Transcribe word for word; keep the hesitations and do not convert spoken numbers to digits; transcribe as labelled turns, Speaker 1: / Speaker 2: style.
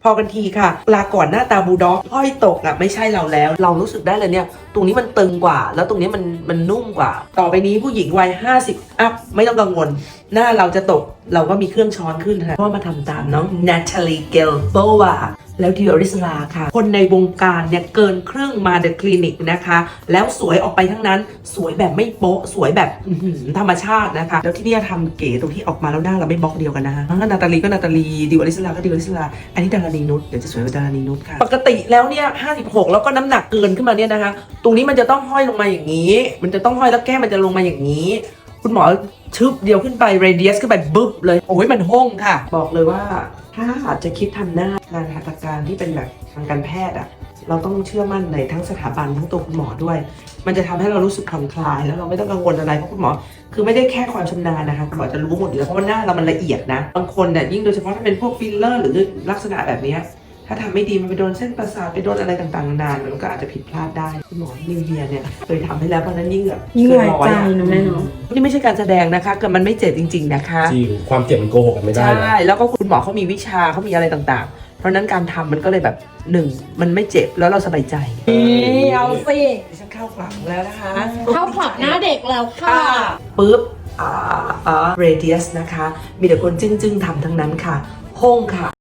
Speaker 1: พอกันทีค่ะลาก่อนหน้าตาบูลด็อกห้อยตกอ่ะไม่ใช่เราแล้วเรารู้สึกได้เลยเนี่ยตรงนี้มันตึงกว่าแล้วตรงนี้มันมันนุ่มกว่าต่อไปนี้ผู้หญิงวัยห้าสิบอัพไม่ต้องกังวลหน้าเราจะตกเราก็มีเครื่องช้อนขึ้นค่ะเพราะมาทำตามน้องนาตาลีเกลโบวาแล้วดิออริสลาค่ะคนในวงการเนี่ยเกินครึ่งมาเดอะคลินิกนะคะแล้วสวยออกไปทั้งนั้นสวยแบบไม่โป๊ะสวยแบบธรรมชาตินะคะแล้วที่นี่ทำเก๋ตรงที่ออกมาแล้วหน้าเราไม่บล็อกเดียวกันนะคะนาตาลีก็นาตาลีดิออริสลาก็ดิออริสลาอันนี้ดารานีนุชเดี๋ยวจะสวยกว่าดารานีนุชค่ะปกติแล้วเนี่ยห้าสิบหกแล้วก็น้ำหนักเกินขึ้นมาเนี่ยนะคะตรงนี้มันจะต้องห้อยลงมาอย่างนี้มันจะต้องห้อยแล้วแก้มมันจะลงมาอย่างนี้คุณหมอชึบเดียวขึ้นไปเรเดียสขึ้นไปบึ๊บเลยโอ้ยมันห้องค่ะบอกเลยว่าถ้าอาจจะคิดทำหน้างานหัตถการที่เป็นแบบทางการแพทย์อะเราต้องเชื่อมั่นในทั้งสถาบันทั้งตัวคุณหมอด้วยมันจะทำให้เรารู้สึกผ่อนคลายแล้วเราไม่ต้องกังวลอะไรเพราะคุณหมอคือไม่ได้แค่ความชำนาญนะคะคุณหมอจะรู้หมดอยู่แล้วเพราะว่าหน้าเรามันละเอียดนะบางคนเนี่ยยิ่งโดยเฉพาะถ้าเป็นพวกฟิลเลอร์หรือลักษณะแบบนี้ถ้าทำไม่ดีมันไปโดนเส้นประสาทไปโดนอะไรต่างๆนานมันก็อาจจะผิดพลาดได้คุณหมอนิวเยียเนี่ยเคยทำให้แล้วเพราะนั้นยิ่งแบบ
Speaker 2: ยิ่งหลายใจนะแม่เนาะ
Speaker 1: นี่ไม่ใช่การแสดงนะคะเกิดมันไม่เจ็บจริงๆนะคะ
Speaker 3: จริงความเจ็บมันโกหกกันไม่ได้
Speaker 1: ใช่แล้วก็คุณหมอเขามีวิชาเขามีอะไรต่างๆเพราะนั้นการทำมันก็เลยแบบหนึ่งมันไม่เจ็บแล้วเราสบายใจ
Speaker 2: นี่เอาสิ
Speaker 1: ดิฉันเข้าคลังแล้วนะคะ
Speaker 2: เข้าขลับหน้าเด็กแล้วค่ะ
Speaker 1: ปุ๊บอ่าอ่าเรเดียสนะคะมีแต่คนจึ้งๆทำทั้งนั้นค่ะห้องค่ะ